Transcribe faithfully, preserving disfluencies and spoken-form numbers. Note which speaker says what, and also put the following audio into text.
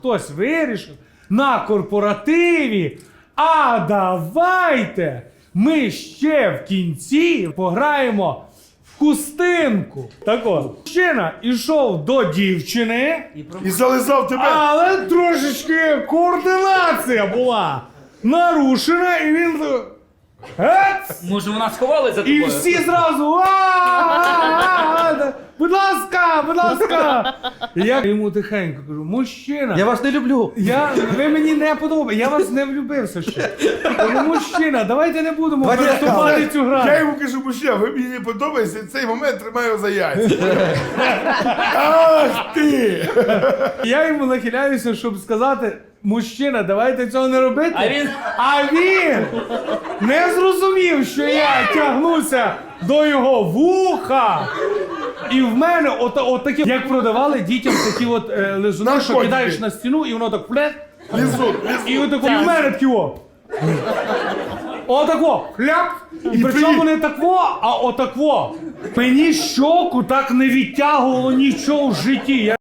Speaker 1: Хтось вирішив на корпоративі, а давайте ми ще в кінці пограємо в хустинку. Так от, мужчина ішов до дівчини,
Speaker 2: І зализав тебе.
Speaker 1: але трошечки координація була нарушена, і він... Гец!
Speaker 3: Може вона сховалася за тобою?
Speaker 1: І всі зразу «А-а-а-а! Будь ласка, будь ласка!» І я йому тихенько кажу, мужчина,
Speaker 4: Я вас не люблю.
Speaker 1: я, ви мені не подобаєте, я вас не влюбився ще. Кажу, мужчина, давайте не будемо
Speaker 4: Давайте
Speaker 1: переступати цю
Speaker 2: Я
Speaker 1: грань.
Speaker 2: йому кажу, мужчина, ви мені не подобаєтеся, цей момент тримаю за яйця. Ах ти!
Speaker 1: Я йому нахиляюся, щоб сказати, мужчина, давайте цього не робити.
Speaker 3: А він-
Speaker 1: А він не зрозумів, що я тягнуся до його вуха. І в мене от, от такі, як продавали дітям такі от е, лизуни, що
Speaker 2: Наркотики.
Speaker 1: кидаєш на стіну, і воно так флет.
Speaker 2: Лізун,
Speaker 1: І
Speaker 2: лізун.
Speaker 1: отако, і в мене такі о. Отако, хляп. І
Speaker 2: І
Speaker 1: причому
Speaker 2: ти-
Speaker 1: не такво, а отакво. Мені щоку так не відтягувало нічого в житті. Я